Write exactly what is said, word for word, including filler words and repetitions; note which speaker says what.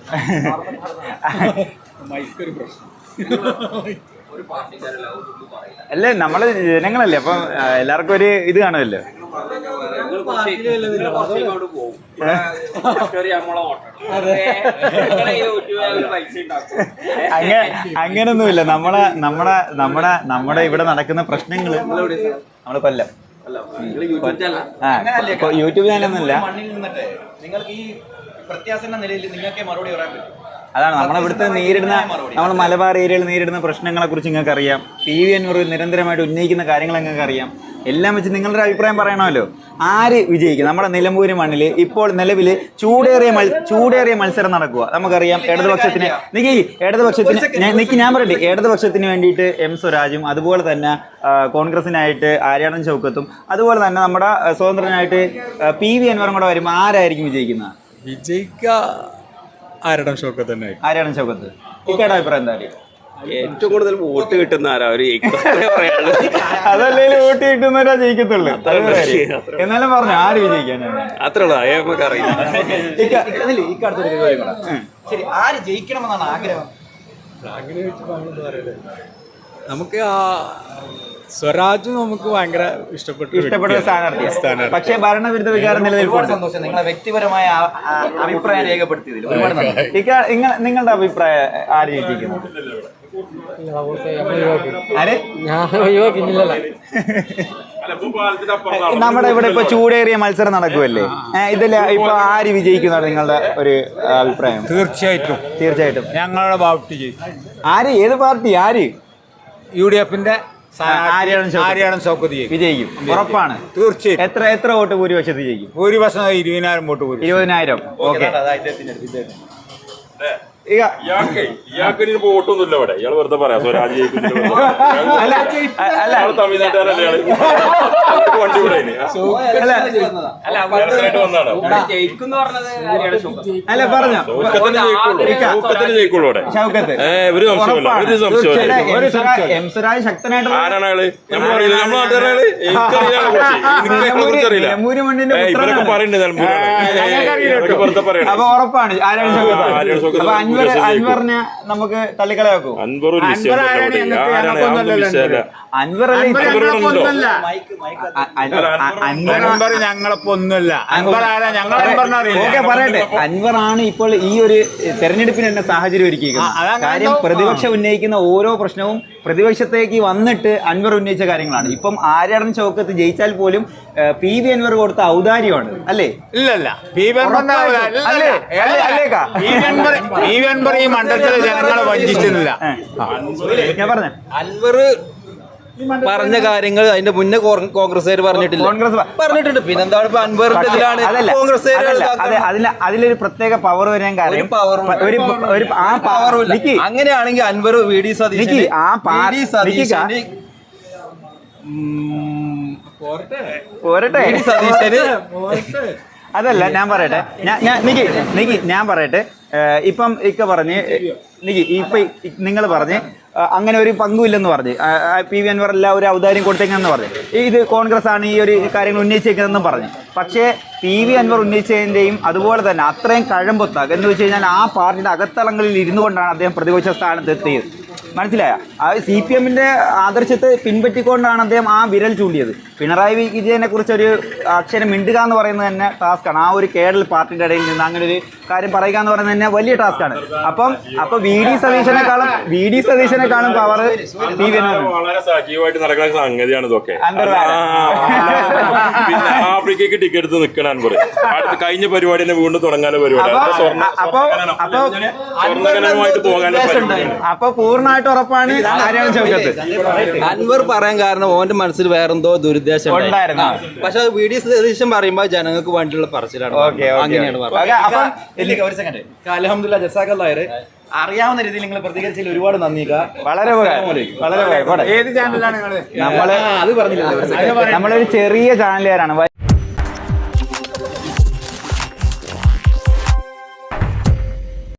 Speaker 1: അല്ലേ നമ്മള് ജനങ്ങളല്ലേ, അപ്പം എല്ലാവർക്കും ഒരു ഇത് കാണുമല്ലോ. അങ്ങനെ അങ്ങനൊന്നുമില്ല. നമ്മളെ നമ്മുടെ നമ്മുടെ നമ്മുടെ ഇവിടെ നടക്കുന്ന പ്രശ്നങ്ങള് നമ്മള് കൊല്ലം യൂട്യൂബ് ചാനലൊന്നുമില്ല.
Speaker 2: നിങ്ങൾക്ക് ഈ പ്രത്യാസന നിലയിൽ നിങ്ങൾക്ക് മറുപടി പറയാൻ പറ്റും.
Speaker 1: അതാണ് നമ്മളിവിടുത്തെ നേരിടുന്ന നമ്മൾ മലബാർ ഏരിയയിൽ നേരിടുന്ന പ്രശ്നങ്ങളെ കുറിച്ച് നിങ്ങൾക്ക് അറിയാം. പി വി അൻവർ നിരന്തരമായിട്ട് ഉന്നയിക്കുന്ന കാര്യങ്ങൾ നിങ്ങൾക്ക് അറിയാം. എല്ലാം വെച്ച് നിങ്ങളുടെ അഭിപ്രായം പറയണമല്ലോ. ആര് വിജയിക്കും? നമ്മുടെ നിലമ്പൂര് മണ്ണിൽ ഇപ്പോൾ നിലവിൽ ചൂടേറിയ മൽ ചൂടേറിയ മത്സരം നടക്കുക. നമുക്കറിയാം ഇടതുപക്ഷത്തിന് നിക്ക് ഇടതുപക്ഷത്തിന് നിക്ക് ഞാൻ പറയട്ടെ ഇടതുപക്ഷത്തിന് വേണ്ടിയിട്ട് എം സ്വരാജും അതുപോലെ തന്നെ കോൺഗ്രസിനായിട്ട് ആര്യാടൻ ഷൗക്കത്തും അതുപോലെ തന്നെ നമ്മുടെ സ്വതന്ത്രനായിട്ട് പി വി അൻവറും കൂടെ വരുമ്പോൾ ആരായിരിക്കും വിജയിക്കുന്നത്?
Speaker 3: വിജയിക്ക ആര്യാടൻ ഷൗക്കത്ത് തന്നെ.
Speaker 1: ആര്യാടൻ ഷൗക്കത്ത്. ഇക്കയുടെ അഭിപ്രായം എന്താ?
Speaker 4: ഏറ്റവും കൂടുതൽ വോട്ട് കിട്ടുന്ന ആരാ ഒരു
Speaker 1: അതല്ലേ വോട്ട് കിട്ടുന്നവരാ ജയിക്കത്തുള്ളൂ. എന്നാലും പറഞ്ഞു ആര് വിജയിക്കാനാണ്
Speaker 4: അത്ര നമുക്ക് അറിയില്ല.
Speaker 2: ശരി, ആര് ജയിക്കണമെന്നാണ് ആഗ്രഹം?
Speaker 3: നമുക്ക് ആ സ്വരാജ് നമുക്ക് ഭയങ്കര ഇഷ്ടപ്പെട്ടു
Speaker 1: ഇഷ്ടപ്പെട്ട സ്ഥാനാർത്ഥി. പക്ഷേ ഭരണവിരുദ്ധ വികാരം നിലനിൽക്കുന്നുണ്ട്.
Speaker 2: സന്തോഷം. നിങ്ങളെ വ്യക്തിപരമായ അഭിപ്രായം രേഖപ്പെടുത്തിയതിൽ ഒരുപാട് നന്ദി.
Speaker 1: നിങ്ങളുടെ അഭിപ്രായം ആര് ജയിക്കുന്നു? നമ്മുടെ ഇവിടെ ഇപ്പൊ ചൂടേറിയ മത്സരം നടക്കുമല്ലേ, ഇതില് ഇപ്പൊ ആര് വിജയിക്കുന്നതാണ് നിങ്ങളുടെ ഒരു അഭിപ്രായം?
Speaker 3: തീർച്ചയായിട്ടും
Speaker 1: തീർച്ചയായിട്ടും
Speaker 3: ഞങ്ങളുടെ പാർട്ടി.
Speaker 1: ആര്? ഏത് പാർട്ടി? ആര്?
Speaker 3: യു ഡി എഫിന്റെ
Speaker 1: ആര്യാടൻ ഷൗക്കത്ത് വിജയിക്കും, ഉറപ്പാണ്.
Speaker 3: തീർച്ചയായും.
Speaker 1: എത്ര എത്ര വോട്ട് ഭൂരിപക്ഷത്തിൽ ജയിക്കും?
Speaker 3: ഭൂരിപക്ഷം ഇരുപതിനായിരം വോട്ട്.
Speaker 1: ഇരുപതിനായിരം. ഓക്കെ.
Speaker 4: വോട്ടൊന്നുമില്ല ഇവിടെ. ഇയാൾ വെറുതെ പറയാം സ്വരാജ്
Speaker 1: അല്ല പറഞ്ഞോ
Speaker 4: ജയിക്കുള്ളൂ.
Speaker 1: എംസുരാജ് ശക്തനായിട്ട് അപ്പൊ ഉറപ്പാണ് അൻവറിനെ നമുക്ക് തള്ളിക്കളയാക്കൂ.
Speaker 4: അൻവർ
Speaker 3: ഞങ്ങളൊപ്പം ഒന്നുമല്ല.
Speaker 1: പറയട്ടെ, അൻവറാണ് ഇപ്പോൾ ഈ ഒരു തെരഞ്ഞെടുപ്പിന് തന്നെ സാഹചര്യം ഒരുക്കിയിരിക്കുന്നത്. കാര്യം പ്രതിപക്ഷം ഉന്നയിക്കുന്ന ഓരോ പ്രശ്നവും പ്രതിപക്ഷത്തേക്ക് വന്നിട്ട് അൻവർ ഉന്നയിച്ച കാര്യങ്ങളാണ്. ഇപ്പം ആര്യാടൻ ഷൗക്കത്ത് ജയിച്ചാൽ പോലും പി വി അൻവർ കൊടുത്ത ഔദാര്യമാണ് അല്ലേ?
Speaker 3: ഇല്ലല്ല, പി വി അൻവർ ഈ മണ്ഡലത്തിലെ ജനങ്ങളെ വഞ്ചിച്ചിട്ടില്ല.
Speaker 1: ഞാൻ പറഞ്ഞ
Speaker 2: അൻവർ പറഞ്ഞ കാര്യങ്ങൾ അതിന്റെ മുന്നേ കോൺഗ്രസ്സുകാർ പറഞ്ഞിട്ടില്ല.
Speaker 1: കോൺഗ്രസ്
Speaker 2: പറഞ്ഞിട്ടുണ്ട്. പിന്നെന്താണ് ഇപ്പൊ അൻവറിന്റെ ഇതിലാണ് കോൺഗ്രസ്
Speaker 1: അതിലൊരു പ്രത്യേക പവർ വരാൻ കാര്യം ആ പവർ.
Speaker 2: അങ്ങനെയാണെങ്കിൽ അൻവർ വി ഡി സതീശൻ
Speaker 1: ആ
Speaker 2: പാർട്ടി സതീശന്
Speaker 1: പോരട്ടെ സതീശന് അതല്ല ഞാൻ പറയട്ടെ ഞാൻ നിക്ക് നിക്ക് ഞാൻ പറയട്ടെ ഇപ്പം ഇക്ക പറഞ്ഞ് നിക്ക് ഇപ്പൊ നിങ്ങൾ പറഞ്ഞ് അങ്ങനെ ഒരു പങ്കുമില്ലെന്ന് പറഞ്ഞ് പി വി അൻവർ എല്ലാം ഒരു ഔദാര്യം കൊടുത്തേക്കെന്ന് പറഞ്ഞു. ഇത് കോൺഗ്രസ് ആണ് ഈ ഒരു കാര്യങ്ങൾ ഉന്നയിച്ചേക്കുന്നതെന്നും പറഞ്ഞു. പക്ഷേ പി വി അൻവർ ഉന്നയിച്ചതിൻ്റെയും അതുപോലെ തന്നെ അത്രയും കഴമ്പൊത്താക്ക് എന്ന് വെച്ച് കഴിഞ്ഞാൽ ആ പാർട്ടിയുടെ അകത്തളങ്ങളിൽ ഇരുന്നു കൊണ്ടാണ് അദ്ദേഹം പ്രതിപക്ഷ സ്ഥാനത്ത് എത്തിയത്. മനസ്സിലായ? ആ സി പി എമ്മിൻ്റെ ആദർശത്തെ പിൻപറ്റിക്കൊണ്ടാണ് അദ്ദേഹം ആ വിരൽ ചൂണ്ടിയത്. പിണറായി വിജയനെ കുറിച്ചൊരു അക്ഷരം മിണ്ടുക എന്ന് പറയുന്നത് തന്നെ ടാസ്ക്കാണ്. ആ ഒരു കേരള പാർട്ടിയുടെ ഇടയിൽ നിന്ന് അങ്ങനെ ഒരു കാര്യം പറയുക എന്ന് പറയുന്നത് തന്നെ വലിയ ടാസ്ക്കാണ്. അപ്പം അപ്പൊ വി ഡി സതീശനെക്കാളും വി ഡി സതീശനെക്കാളും പവർ പി വി
Speaker 4: വളരെ സജീവമായിട്ട് നടക്കുന്ന സംഗതിയാണ് ഇതൊക്കെ. പിന്നെ ആഫ്രിക്കയ്ക്ക് ടിക്കറ്റ് എടുത്ത് നിൽക്കണം അൻവർ. അടുത്ത കഴിഞ്ഞ പരിപാടി തന്നെ വീണ്ടും തുടങ്ങാനുള്ള പരിപാടി. സ്വർണ്ണകരമായിട്ട് പോകാനുള്ള പരിപാടി.
Speaker 1: അപ്പൊ പൂർണ്ണമായിട്ട് ഉറപ്പാണ് ആര്യാടൻ ഷൗക്കത്ത്.
Speaker 2: അൻവർ പറയാൻ കാരണം ഓന്റെ മനസ്സിൽ വേറെന്തോ ദുരുദ്ദേശം ഉണ്ടായിരുന്നു. പക്ഷെ അത് വി ഡി സതീശൻ പറയുമ്പോ ജനങ്ങൾക്ക് വേണ്ടിയുള്ള പറച്ചിലാണ്. അങ്ങനെയാണ് പറഞ്ഞത്. അൽഹംദുലില്ലാഹ് ജസാക്കല്ലാഹ്. അറിയാവുന്ന രീതിയിൽ നിങ്ങൾ പ്രതികരിച്ചതിൽ ഒരുപാട് നന്ദി.
Speaker 1: വളരെ വളരെ
Speaker 3: ഏത് ചാനലാണ്?
Speaker 1: നമ്മള് അത് പറഞ്ഞില്ല, നമ്മളൊരു ചെറിയ ചാനലുകാരാണ്.